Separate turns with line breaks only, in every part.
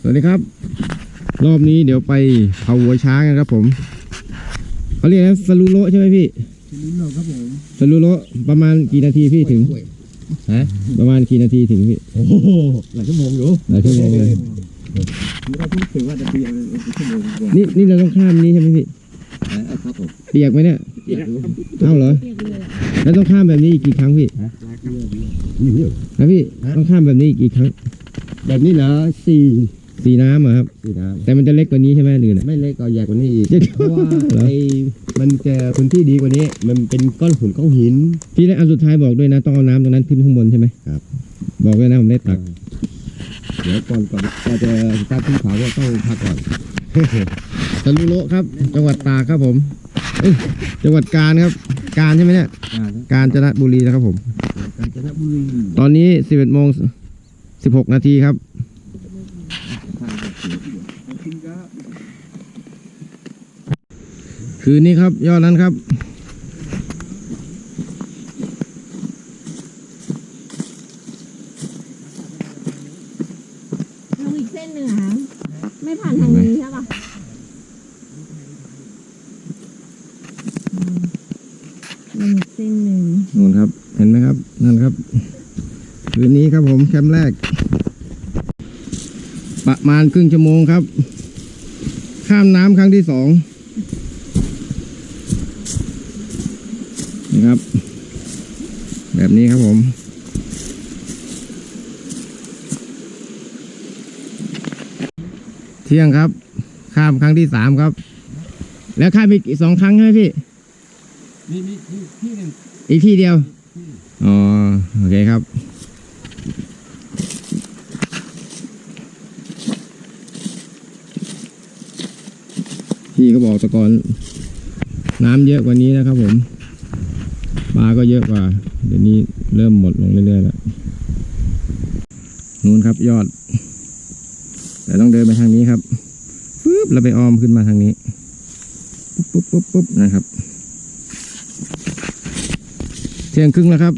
วัสดีครับรอบนี้เดี๋ยวไปเผาหัวช้างกันครับผมเขาเรียกนะสลูโลใช่ไหมพี่สลูโลครับผมสลูโลประมาณกี่นาทีพี่ถึงฮะประมาณกี่นาทีถึงพี่โอ้โหหลายชั่วโมงอยู่หลายชั่วโมงเลยเราพูดถึงว่าจะเปียกชั่วโมงนี่เราต้องข้ามนี้ใช่ไหมพี่ครับผมเปียกไหมเนี่ยเอ้าเหรอแล้วต้องข้ามแบบนี้อีกกี่ครั้งพี่นะพี่ต้องข้ามแบบนี้อีกกี่ครั้งแบบนี้เหรอสี่น้ำเหรอครับแต่มันจะเล็กกว่านี้ใช่ไหมหรือไม่เล็กก็ใหญ่กว่านี้อีกเพราะว่ามันจะพื้นที่ดีกว่านี้มันเป็นก้อนหินพี่ได้อันสุดท้ายบอกด้วยนะต้องเอาน้ำตรงนั้นขึ้นข้างบนใช่ไหมครับบอกด้วยนะผมได้ตักเดี๋ยวก่อนจะสตาร์ทขึ้นเขาก็ต้องพักก่อนตะลุโลครับจังหวัดตากครับผมจังหวัดกาญครับกาญใช่ไหมเนี่ยกาญจนบุรีนะครับผมกาญจนบุรีตอนนี้11:16 นาทีครับคืนนี้ครับยอดนั้นครับ
ลงอีกเส้นหนึ่งค่ะไม่ผ่านทางนี้ใช่ปะลงอีกเส้นหนึ่ง
นู่นครับเห็นไหมครับนั่นครับคืนนี้ครับผมแคมป์แรกประมาณครึ่งชั่วโมงครับข้ามน้ำครั้งที่2นะครับแบบนี้ครับผมเที่ยงครับข้ามครั้งที่3ครับแล้วข้ามอีก2 ครั้งใช่ไหมพี่มีที่หนึ่งอีกที่เดียวอ๋อโอเคครับพี่ก็บอกตะกอนน้ำเยอะกว่านี้นะครับผมปลาก็เยอะกว่าเดี๋ยวนี้เริ่มหมดลงเรื่อยๆแล้วนู่นครับยอดแต่ต้องเดินไปทางนี้ครับปึ๊บแล้วไปอ้อมขึ้นมาทางนี้ปุ๊บนะครับเที่ยงครึ่งแล้วครับ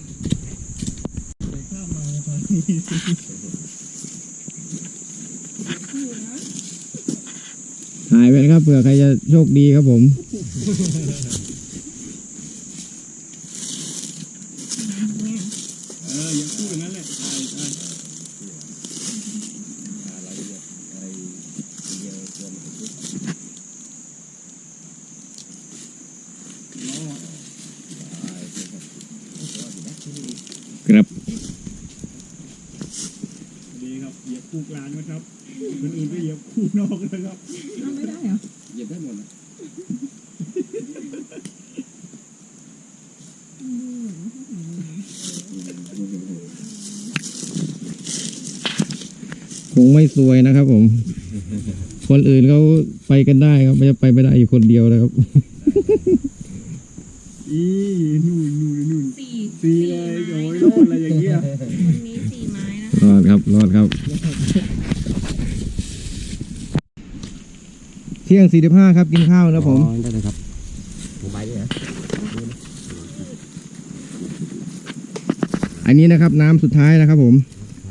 หายไปนะครับเผื่อใครจะโชคดีครับผม
ยังพูดอย่างนั้นแหละ
ครับ
ดีครับเหยียบคู่กลางนะครับคนอื่นก็เหยียบคู่นอกนะครับ
ไม่ได้เหรอ
เหยียบได้หมดนะ
คงไม่สวยนะครับผมคนอื่นเขาไปกันได้ครับไม่จะไปไม่ได้อยู่คนเดียวนะครับ
นู่นสี่เลยโอ้ยรอดอะไรอย่างเงี้ย
วันนี้4 ไม้นะ
รอดครับเที่ยง45ครับกินข้าวนะผมได้เลยครับผมไปเนี่ยอันนี้นะครับน้ำสุดท้ายนะครับผม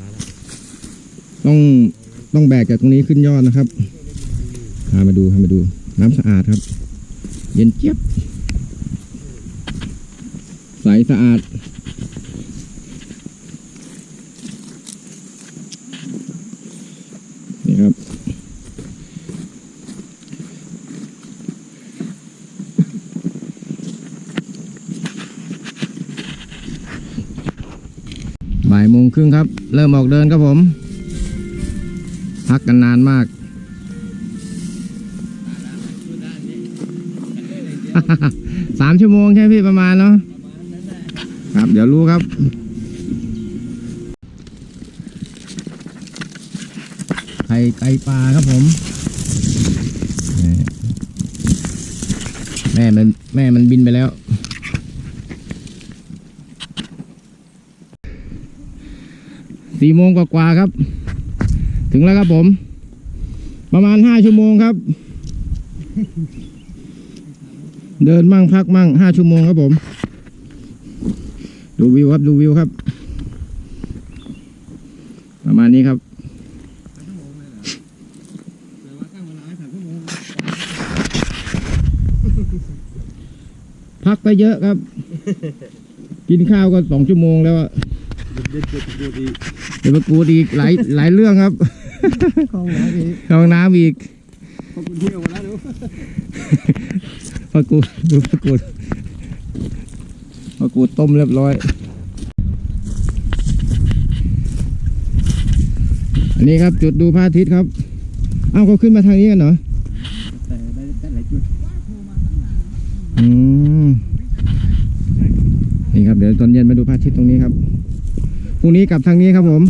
ต้องแบกจากตรงนี้ขึ้นยอดนะครับพามาดูน้ำสะอาดครับเย็นเจี๊ยบใสสะอาดนี่ครับบ่ายโมงครึ่งครับเริ่มออกเดินครับผมพักกันนานมาก 3 ชั่วโมงใช่พี่ประมาณเนาะครับเดี๋ยวรู้ครับไก่ปลาครับผมแม่มันบินไปแล้ว4 โมงกว่าครับถึงแล้วครับผมประมาณ5 ชั่วโมงครับเดินมั่งพักมั่ง5 ชั่วโมงครับผมดูวิวครับประมาณนี้ครับพักไปเยอะครับ กินข้าวก็2 ชั่วโมงแล้วอะเดี๋ยวมากูดอีกหลายเรื่องครับ
เข้าห้องน้ำอีก
เข้าห้องน้ำอีก
ขอบคุณที่เอามาแล้วดู
ผักกูดดูผักกูดต้มเรียบร้อย อันนี้ครับจุดดูพระอาทิตย์ครับเอ้าเขาขึ้นมาทางนี้กันเหรอ
แต่ได้หลายจุด
อืมนี่ครับเดี๋ยวตอนเย็นมาดูพระอาทิตย์ตรงนี้ครับพรุ่งนี้กลับทางนี้ครับผม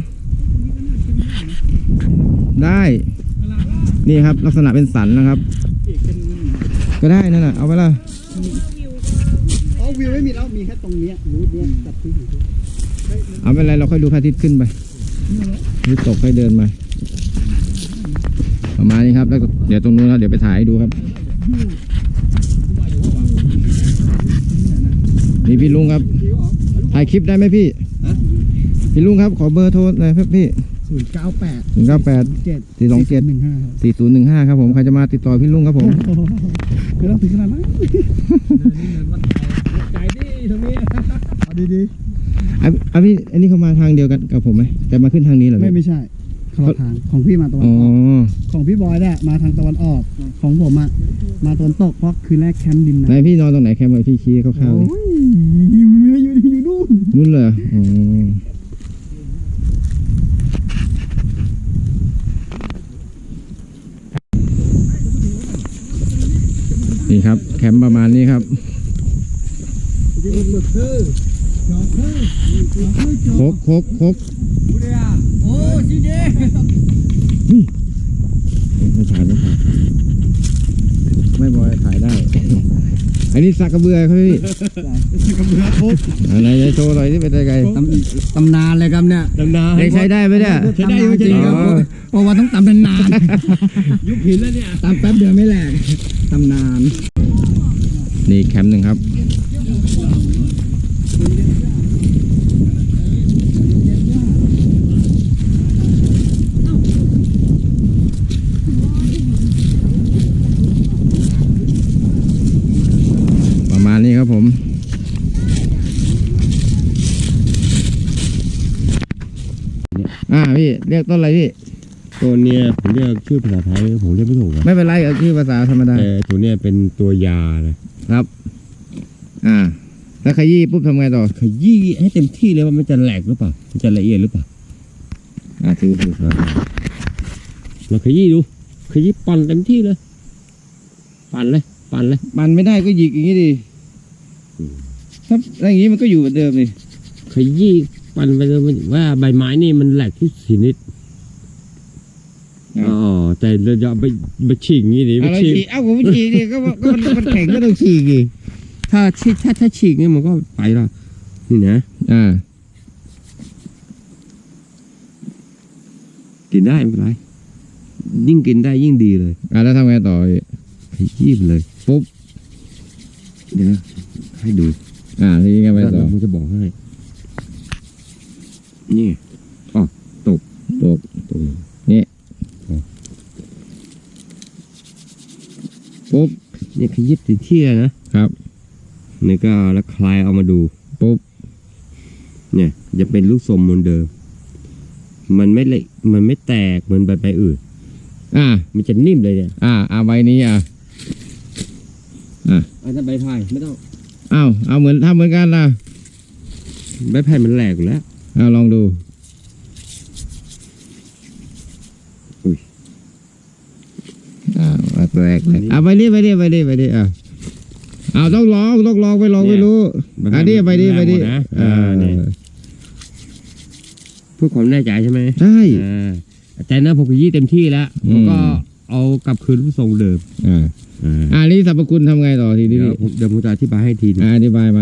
ได้นี่ครับลักษณะเป็นสันนะครับ ก็ได้นั่นน่ะเอาไปละ
อ๋อวิวไม่มีแล้วมีแค่ตรงเนี้ยรูทเนี้ยจับที่อยู่
เอาไม่เป็นไรเราค่อยดูพระอาทิตย์ขึ้นไปหรือตกค่อยเดินมาประมาณนี้ครับแล้วเดี๋ยวตรงนู้นครับเดี๋ยวไปถ่ายให้ดูครับนี่พี่ลุงครับถ่ายคลิปได้ไหมพี่พี่ลุงครับขอเบอร์โทรหน่อยครับพี่
098
098 427
15
4015ครับผมใครจะมาติดต่อพี่ลุงครับผม
ไม่ต้องถึงขนาดนั้นใจดิตรงนี้เอาดี
พี่อันนี้เขามาทางเดียวกันกับผมไหมแต่มาขึ้นทางนี้เหรอ
ๆไม่ใช่คนละทางของพี่มาตะวัน
อ๋อ
ออกของพี่บอยเนี่ยมาทางตะวันออกของผมอะมาตะวันตกเพราะคืนแรกแคมป์ดิน
ไหนพี่นอนตรงไหนแคมป์ไว้พี่ชี้คร่าวๆเลย
โอ้ยอยู่นู่น
นู่นเลยเหรออ๋อนี่ครับแคมป์ประมาณนี้ครับคก
โอ้จีเด
นี่ไม่ถ่ายไม่บอยถ่ายได้ อันนี้สักกระเบือครับพี่
กระเบือครบ
อะไรจะโชว์หน่อยที่เป็นยังไง
ตำนานเลยครับเนี่ยตำนาน
ได้ใช้ได้ไหมเนี่ย
ใช้ได้จริงครับเพราะว่าต้องตำนานยุบหินแล้วเนี่ยตำแป๊บเดียวไม่แหลกตำนาน
นี่แคมป์หนึ่งครับประมาณนี้ครับผมพี่เรียกต้นอะไรพี่
ตัวเนี้ยผมเรียกชื่อภาษาไทยผมเรียกไม่ถูกอะ
ไม่เป็นไรเอาชื่อภาษาธรรมดา
แต่ตัวเนี้ยเป็นตัวยาเลย
ครับแล้วขยี้ปุ๊บทำไงต่อ
ขยี้ให้เต็มที่เลยว่ามันจะแหลกหรือเปล่ามันจะละเอียดหรือเปล่า
ถือ
เราขยี้ดูขยี้ปั่นเต็มที่เลยปั่นเลย
มันไม่ได้ก็หยิกอย่างนี้ดิถ้าอย่างนี้มันก็อยู่เหมือนเดิมเลย
ขยี้ปั่นไปเลยมันว่าใบไม้นี่มันแหลกทุกชนิดอ๋อแต่เราจะไปฉีกงี้ดิ
เราฉีกผมฉีกดิก็มันแข็งก็ต้องฉีกดิ
ถ้าฉีกนี่มันก็ไปละนี่นะกินได้ไม่เป็นไรยิ่งกินได้ยิ่งดีเลย
แล้วทำไงต่อ
ขยี้ไปเลยปุ๊บเดี๋ยวนะให้ดู
ทีนี้ไงไปต่อ
ผมจะบอกให้นี่ตก
นี่ปุ๊บ
นี่ขยี้ติดที่เลยนะครับนี่ก็แล้วคลายเอามาดู
ปุ๊บ
เนี่ยจะเป็นลูกทรงเหมือนเดิมมันไม่เละมันไม่แตกเหมือนใบอื่นมันจะนิ่มเลยเนี่ย
ใบนี้
ถ้าใบไผ่ไม่ต้อง
เอาเหมือนทำเหมือนกันนะ
ใบไผ่มันแหลกอยู่แล้ว
ลองดูแตกเลยไปดิต้องลองไปลองไม่รู้อันนี้ไปดิ
เพื่อความแน่ใจใช่ไหม
ใช่
แต่นะผมขยี้เต็มที่แล้วผมก็เอากลับคืนรูปทรงเดิม
นี่สรรพคุณทำไงต่อทีนี้
เดี๋ยวผมจะอธิบายให้ทีนึง
อธิบายมา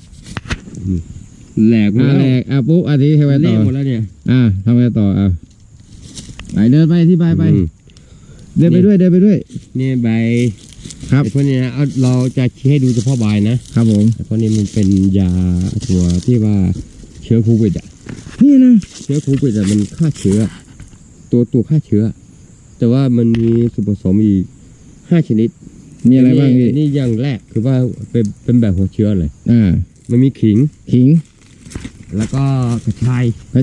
แหลก
ปุ๊บอันนี้ทำไงต่อ
หมดแล้วเนี่ย
ทำไงต่อไปเดินไปอธิบายไปเดินไปด้วย
นี่ใบ
ครับ
พวกนี้นะเราจะชี้ให้ดูเฉพาะใบนะครับ
ผม
เพราะนี้มันเป็นยาตัวที่ว่าเชื้อโควิด
นี่นะ
เชื้อโควิดมันฆ่าเชื้อตัวฆ่าเชื้อแต่ว่ามันมีส่วนผสมอีก5 ชนิด
มีอะไรบ้างพี่
นี่อย่างแรกคือว่าเป็นแบบหัวเชื้อเลย มันมีขิง แล้วก็กระชาย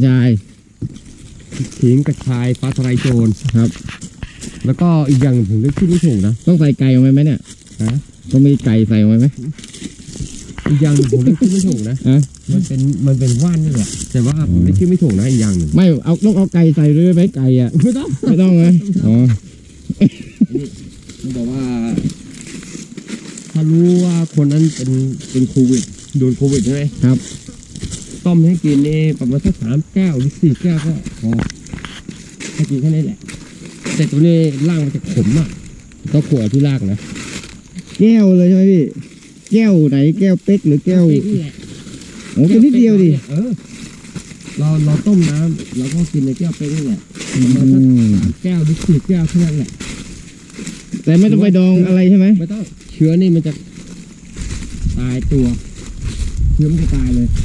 ขิงกระชายฟ้าทะลายโจร
ครับ
แล้วก็อีกอย่างผมนึกชื่อไม่ถูกนะ
ต้องใส่ไก่ลงไปไหมเนี่ย
ฮะ
ต้องมีไก่ใส่ลงไปไหม
อีกอย่างหนึ่งผมนึกชื่อไม่ถูกนะ มันเป็นว่านนี่แหละแต่ว่าผมนึกชื่อไม่ถูกนะอีกอย่างหนึ่ง
ไม่ต้องเอาไก่ใส่ด้วยไหมไก่อ่ะ
ไม่ต้อง
ไม่ต้องนะอ๋อ
มันบอกว่า ถ้ารู้ว่าคนนั้นเป็นโควิดโดนโควิดใช่ไหม
ครับ
ต้มให้กินนี่ประมาณสัก3 แก้วหรือ4 แก้วก็พอให้กินแค่นี้แหละแต่ตัวนี้ร่างมันจะขมอ่ะต้องขวดที่รากนะ
แก้วเลยใช่ไหมพี่ แก้วไหนแก้วเป๊กหรือแก้ว
นี่แหละ
โอ้แค่นิดเดียวดิ
เราต้มน้ำเราก็กินในแก้วเป๊กนี่แหละประมาณสัก3 แก้วหรือ4 แก้วแค่นั้นแหละ
แต่ไม่ต้องไปดองอะไรใช่ไหม
ไม่ต้องเชื้อนี่มันจะตายตัวเชื้อมันจะตายเลย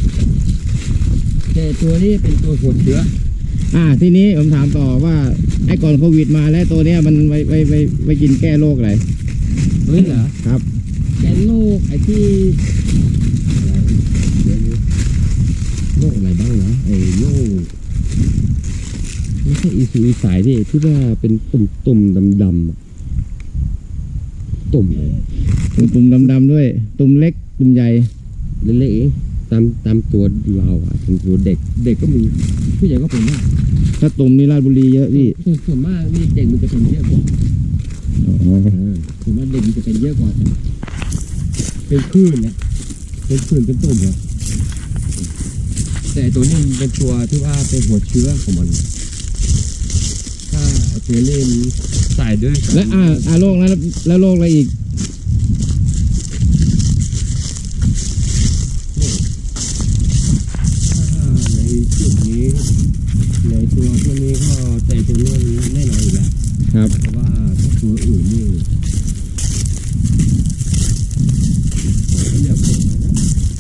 แต่ตัวนี้เป็นตัวหัวเชื้อ
ทีนี้ผมถามต่อว่าไอ้ก่อนโควิดมาแล้วตัวเนี้ยมันไปกินแก้โรคอะไร
เฮ้ยเหรอ
ครับ
แกนโรคไอ้ที่อะไรเดี๋ยวนี้โรคอะไรบ้างนะไอ้โรคไม่ใช่อีสุอีสายดิที่ว่าเป็นตุ่มดำๆอะตุ่มเลย
ตุ่มดำๆด้วย ตุ่มเล็กตุ่มใหญ่
เล็กๆเองตามตัวเราอ่ะตามตัวเด็กก็มีผู้ใหญ่ก็เป็นได้
ถ้าตุ่มนี่ราชบุรีเยอะพี่
ส่วนมากนี่เด็กมันจะเป็นเยอะกว่า
อ๋อ
ส่วนมากเด็กมันจะเป็นเยอะกว่าเป็นคลื่นเนี่ยเป็นคลื่นเป็นตุ่มเหรอแต่ตัวนี้มันเป็นตัวที่ว่าเป็นหัวเชื้อของมันถ้าตัวนี้มันใส่ด้วยกัน
และโรคนั้นแล้วโรคอะไรอีก
ในจุดนี้ในตัวพวกนี้ก็แต่ตัวนี้แน่นอนอยู่แล้ว
ครับ
เพราะว่าถ้าตัวอื่นนี่ผมก็อยากบอกนะ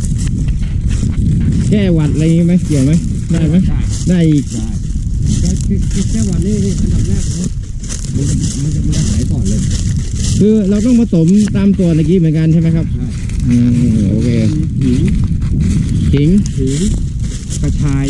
แก้หวัดอะไรไหมเกี่ยวไหมได้ไหม
ได้
ได้อีก
ได้แค่วันนี้นี่อันดับแรกเลยมันจะหายก่อนเลย
คือเราต้องผสมตามตัวเมื่อกี้เหมือนกันใช่ไหมครับ
ใช่
โอเค
ขิง
ขิง
กระชาย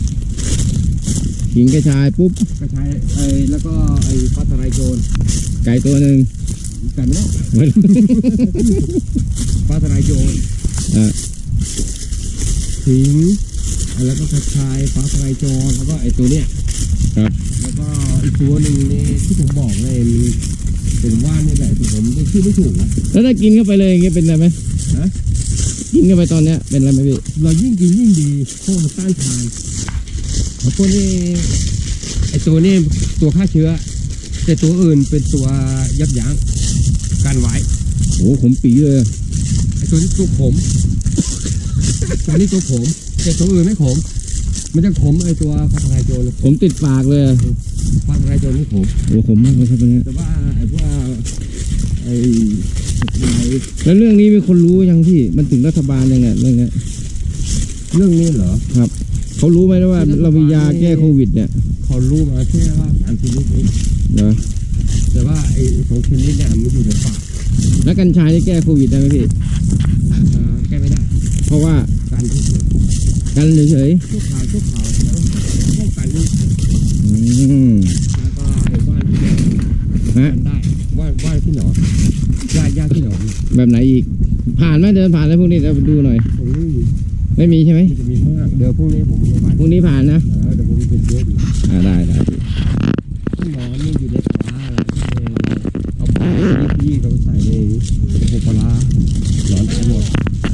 ขิงกระชายปุ๊บ
กระชายแล้วก็ไอ้ฟ้าทะลายโจร
ไก่ตัวหนึ่ง
กันเนาะ
ไม่รู้
ฟ้าทะลายโจร
อ่ะ
ขิงแล้วก็กระชายฟ้าทะลายโจรแล้วก็ไอ้ตัวเนี้ย
ครับ
แล้วก็อีกตัวหนึ่งนี่ที่ผมบอกเลยมันเป็นว่านนี่แหละที่ผมได้ชื่อไม่ถูกนะ
แล้วถ้ากินเข้าไปเลยอย่างเงี้ยเป็นอะไรไหม
ฮะ
กินเข้าไปตอนเนี้ยเป็นอะไรไหมพี่
เรายิ่งกินยิ่งดีเพราะมันต้านทานแล้วพวกนี้ไอ้ตัวนี้ตัวฆ่าเชื้อ แต่ตัวอื่นเป็นตัวยับยั้งการไว้
โอ้ผมปีเลย
ไอ้ตัวนี้ตัวขมตัวนี้ตัวขมแต่ตัวอื่นไม่ขมมันจะขมไอ้ตัวฟ้าทะลายโจร
ผมติดปากเลย
ฟ้าทะลายโจรนี่ขม
โอ้ผมมากเลยครับเนี่ย
แต่ว่าไอ้พวกไอ้ไอ้
แล้วเรื่องนี้มีคนรู้ยังพี่มันถึงรัฐบาลยังเนี่ยเรื่องเนี้ย
เรื่องนี้เหรอ
ครับเขารู้ไหมว่าเรามียาแก้โควิดเนี่ย
เขารู้มาแค่ว่า3 ชนิดเอง
เหรอ
แต่ว่าไอ้2 ชนิดเนี่ยมันอยู่ในปาก
แล้วกัญชานี่แก้โควิดได้ไหมพี่
แก้ไม่ได้
เพราะว่า
การที่เฉย
กันเฉย
ชั่วคราวแล้วป้องกันนี่
ๆ
แล้วก็ไอ้ว่านที่หนอน
ฮะ
กันได้ว่านที่หนอนยาที่หนอน
แบบไหนอีก ผ่านไหมเดินผ่านแล้วพวกนี้เราดูหน่อย
ผมไม่มี
ไม่มีใช่ไหม
มันจะมีข้างล่างเดี๋ยวพรุ่งนี้ผมจะมา
พวกนี้ผ่านนะ
เดี๋ยวผมเป็นเยอะดี
ได้พี่
ที่หนอนนี่อยู่ในปลาอะไรก็เลยเอาปลาที่เขาใส่ในหัวปลาหนอนตายหมด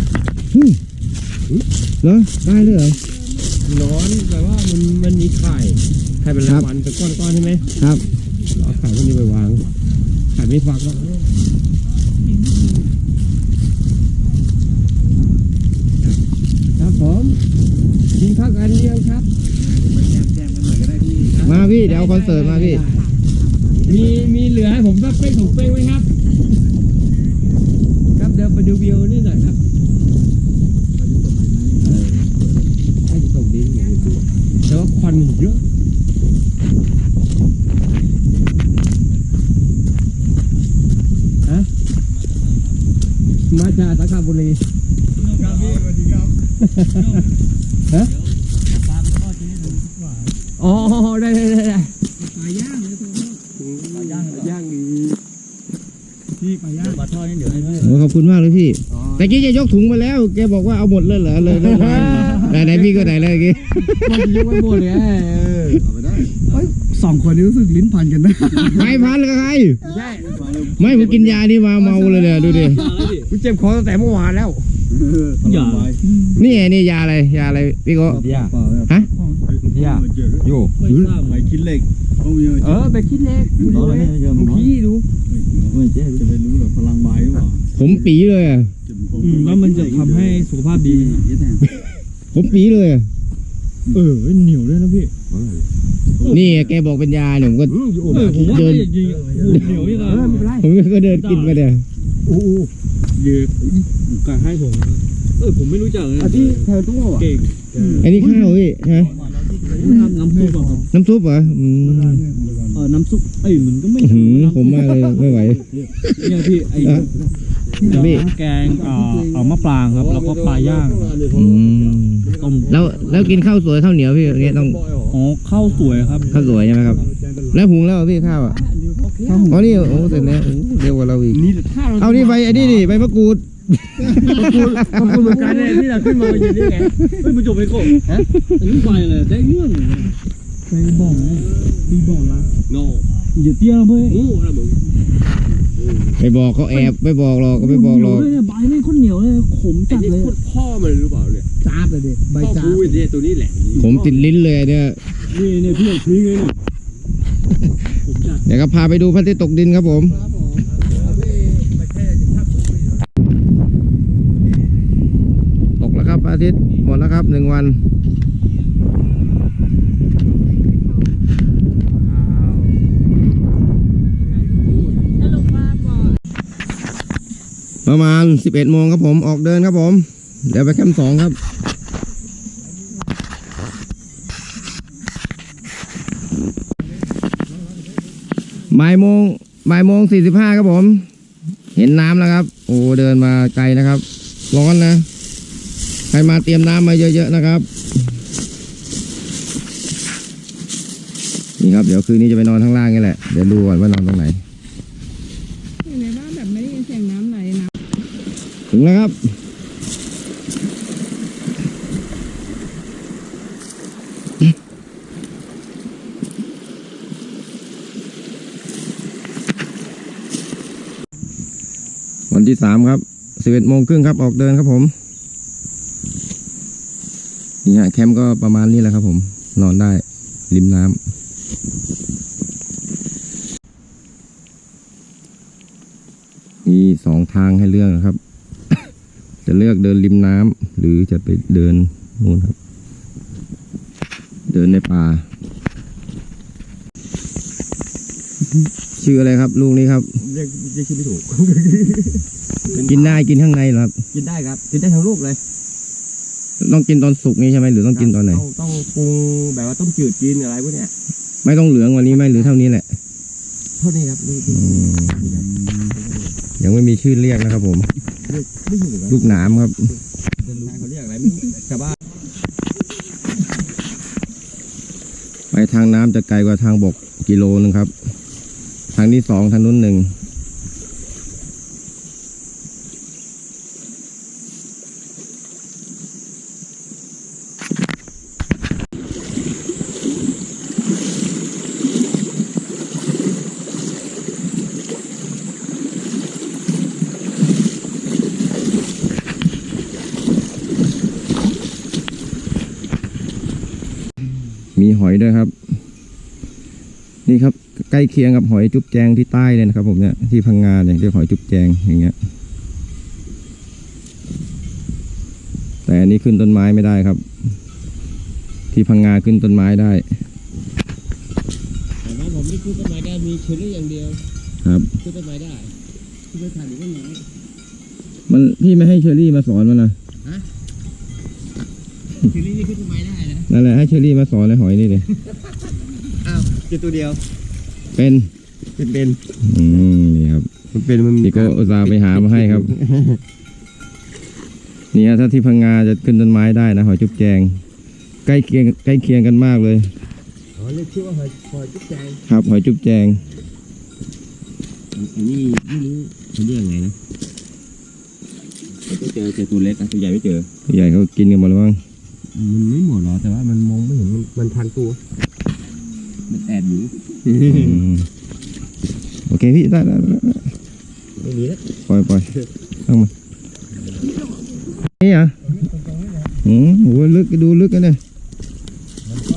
เหรอได้เลยเหรอ
หนอนแปลว่ามันมีไข่เป็นรางวัลเป็นก้อนๆใช่ไหม
ครับ
เอาไข่พวกนี้ไปวางไข่ไม่ฟักแล้วครับผมกินข้าวกันยังครับไปแจมกันหน่อยก็ได้พี่
มาพี่เดี๋ยวเอาคอนเสิร์ตมาพี่
มีเหลือให้ผมสักเป้ง2 เป้งไหมครับ ครับเดี๋ยวไปดูวิวนี่หน่อยครับให้ส่งดินอย่างดูแต่ว่าควันมันเยอะฮะมาจากสังขบุรีฮะอ๋อได้ปลาย่างเลยปลาย่างดีพี่ปลาย่างปลาทอดนี่เดี๋ยวให้พี่
โอ้ขอบคุณมากเลยพี่แต่กี้จะยกถุงมาแล้วแกบอกว่าเอาหมดเลยเหรอเลยไหนพี่ก็ไหนเลยเมื่อกี้
มันยกไว้หมดเลยเอาไปได้
สองคนนี้รู้สึกลิ้นพันกันนะ
ใครพันกับใคร
ใช่
ไม่ผมกินยานี่มาเมาเลยเนี่ยดูดิ
กูเจ็บคอตั้งแต่เมื่อวานแล้วอย่า
นี่ไงนี่ยาอะไรพี่โก้
อย่า
ฮะ
อย่าอยู่
ไม่ทราบไปคิดเหล็ก
ไปคิดเล็กดูพี่ดู
ไม่เจ๊จะไปรู้หรอพลังไม้หรือเปล่า
ผมปีเลยอะ
แล้วมันจะทำให้สุขภาพดี
ผมปีเลยอะ
เหนียวด้วยนะพี่
นี่แกบอกเป็นยาเนี่ยผมก็
ผมว่า
เดิน
จริงเหนียวนี่นะ
ผมก็เดินกินไปเนี่ย
โอ้เยอะการให้ผมผมไม่รู้จักเลย
ที่แทนตู้อ่ะ
เก่ง
อันนี้ข้าวพี่ฮะ
น้ำซุปอ่ะ
น้ำซุปเหรอ
น้ำซุปมันก็ไม่
ผมมากเลยไม่ไหว
เนี่ยพี่
พี่
แกงเอามะปรางครับแล้วก็ปลาย่างต้ม
แล้วกินข้าวสวยข้าวเหนียวพี่อย่างเงี้ยต้อง
ข้าวสวยครับ
ข้าวสวยใช่ไหมครับ แล้วหุงแล้วพี่ข้าวอ่ะอ๋อนี่โอ้เสร็จแล้วเร็วกว่าเราอีกเอานี่ใบไอ้นี่ดิใบมะกรูด
ขอบคุณเหมือนกันเลยที่เราขึ้นมาอยู่นี่ไง
มันจบไปก่อนฮะอันนี้ไปเลยได้เรื่องไปบอกดีบอกละโน่อย่าเตี้ยเพื่อนโอ้อะไรมึง
ไปบอกเขาแอบไม่บอกหรอกก็ไม่บอกหรอก
ใบนี่คนเหนียวเลยขมจัดเลย
พ่อมันหรือเปล่าเนี่ย
จ้าบเลยเด็ใบ
พ่อ
จ้า
กูเนี่ยตัวนี้แหละ
ผมติดลิ้นเลยเนี่ย
นี่พี่ทิ้งเลยเนี่ยผมจัด
เดี๋ยวก็พาไปดูพระอาทิตย์ตกดินครับผม ตกแล้วครับพระอาทิตย์หมดแล้วครับ1 วันประมาณ11 โมงครับผมออกเดินครับผมเดี๋ยวไปแคมป์2ครับบ่ายโมง 45ครับผมเห็นน้ำแล้วครับโอ้เดินมาไกลนะครับร้อนนะใครมาเตรียมน้ำมาเยอะๆนะครับนี่ครับเดี๋ยวคืนนี้จะไปนอนข้างล่างนี่แหละเดี๋ยวดูก่อนว่านอนตรงไหน
อยู่ในบ้านแบบไม่ได้ยินเสียงน้ำไหลนะ
ถึงแล้วครับวันที่3ครับ11 โมงครึ่งครับออกเดินครับผมนี่ฮะแคมป์ก็ประมาณนี้แหละครับผมนอนได้ริมน้ำมี2 ทางให้เลือกนะครับ จะเลือกเดินริมน้ำหรือจะไปเดินนู่นครับ เดินในป่า ชื่ออะไรครับลูกนี้ครับ
เรียกชื่อไม่ถูก
กินได้กินข้างในเหรอครับ
กินได้ครับกินได้ทั้งลูกเลย
ต้องกินตอนสุกนี่ใช่ไหมหรือต้องกินตอนไหน
ต้องปรุงแบบว่าต้มจืดกินอะไรพวกเนี้ย
ไม่ต้องเหลืองกวันนี้ไหมหรือเท่านี้แหละ
เท่านี้ครับนี่
ยังไม่มีชื่อเรียกนะครับผม
ไม่ถูกครับ
ลูกหนามครับ
เขาเรียกอะไรไม่รู้ชาวบ้าน
ไปทางน้ำจะไกลกว่าทางบกกิโลนึงครับ ทางที่2ทางนู้น1มีหอยด้วยครับ นี่ครับใกล้เคียงกับหอยจุ๊บแจงที่ใต้เลยนะครับผมเนี่ยที่พังงาเนี่ยเรียกหอยจุ๊บแจงอย่างเงี้ยแต่อันนี้ขึ้นต้นไม้ไม่ได้ครับ ที่พังงาขึ้นต้นไม้ได้
แต่ว่าผมไม่ขึ้นต้นไม้ได้มีเชอรี่อย่างเดียว
ครับ
ขึ้นต้นไม้ได้ขึ้นไปถ่ายหรือต้นไม้
มันพี่ไม่ให้เชอรี่มาสอนมันนะ
เชอรี่นี่ขึ้นต้นไม้ได้นะ
นั่นแหละให้เชอรี่มาสอนเลยหอยนี่เลย
อ้าวเจอตัวเดียว
เป็น
เป็น
นี่ครับ
มันเป็นมัน
นี่ก็อุตส่าห์ไปหามาให้ครับนี่ฮะถ้าที่พังงาจะขึ้นต้นไม้ได้นะหอยจุ๊บแจงใกล้เคียงกันมากเลย
อ๋อเรียกชื่อว่าหอยจุ๊บแจง
ครับหอยจุ๊บแจง
อันนี้ไม่รู้เขาเรียกยังไงนะก็เจอตัวเล็กนะตัวใหญ่ไม่เจอ
ใหญ่เขากินกันหมดแล้วมั้ง
มันไม่หมดหรอแต่ว่ามันมองไม่เห็นมันพันตัวมันแอบอยู่
โอเคพี่ได้
ไม่มีแล้ว
ปล่อยตั้งมานี่อ่ะโหลึกดูลึกกันเลย
มันก็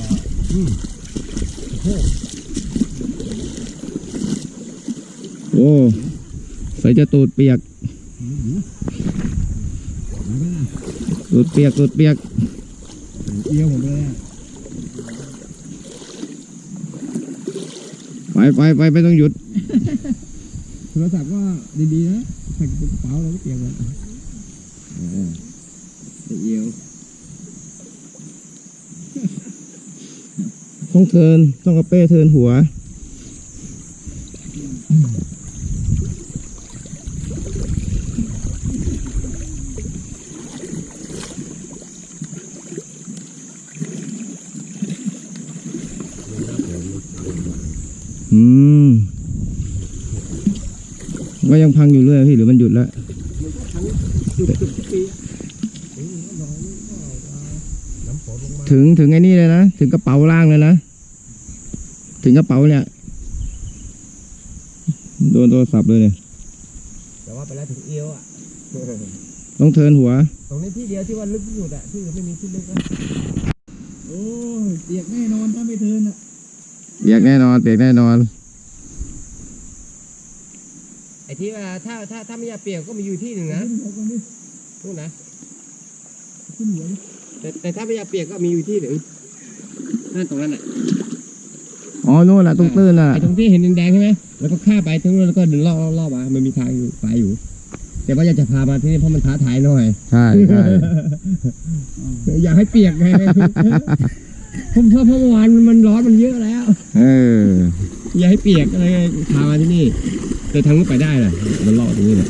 โอ้ใส่จะตูดเปียกตูดเปียก
เอี้ยวหมดเลยอ่ะ
ไปไม่ต้องหยุด
โทรศัพท์ก็ดีๆนะใส่กระเป๋าแล้วก็เปียกเลย
เอียว
ต้องกระเป้เทินหัวก็ยังพังอยู่เรื่อยพี่หรือมันหยุดแล้วถึงไอ้นี่เลยนะถึงกระเป๋าล่างเลยนะถึงกระเป๋าเนี่ยโดนโทรศัพท์เลยเนี่ย
แต่ว่าไปแล้วถึงเอียวอ่ะ
ต้องเทินหัว
ตรงนี้ที่เดียวที่ว่าลึกที่สุดอ่ะที่ไม่มีที่ลึกนะ
โอ้ยเปียกแน่นอนถ้าไม่เทินอ่ะ
เปียกแน่นอน
ไอ้ที่ว่าถ้าไม่อยากเปียกก็มีอยู่ที่หนึ่งนะนู่นนะ
ขึ้นหัวดิ
แต่ถ้าไม่อยากเปียกก็มีอยู่ที่หนึ่งนั่นตรงนั้นอ่ะ
อ๋อนู่นแหละตรงตื้นน่ะ
ไอ้ตรงที่เห็นแดงๆใช่ไหมแล้วก็ข้ามไปตรงนู้นแล้วก็เดินรอบมามันมีทางอยู่ไปอยู่ แต่ว่าอยากจะพามาที่นี่เพราะมันท้าทายหน่อย
ใช่
อยากให้เปียกไงผมเพราะเมื่อวานมันร้อนมันเยอะแล้ว อยากให้เปียกอะไรพามาที่นี่แต่ทางนู้นไปได้เลยมันรอดตรงนี้เลย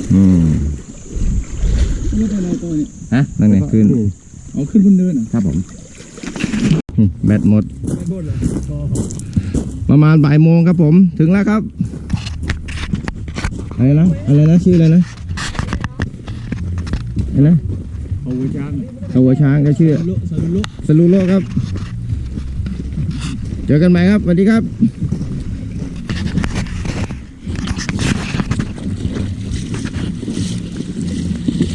ไม่เป็นไรตัวเนี่ย
ฮะ
นั่นไงขึ้น
เอาขึ้นบนเนินอ่ะ
ครับผม
แบตหมด
ไม่บนเลย
ประมาณบ่ายโมงครับผมถึงแล้วครับอะไรนะชื่ออะไรนะอะไรนะ
เอาไว้จ้าง
เขาหัวช้างก็ชื่อ
สรุป
สลูโลครับ เจอกันใหม่ครับสวัสดีครับ
ส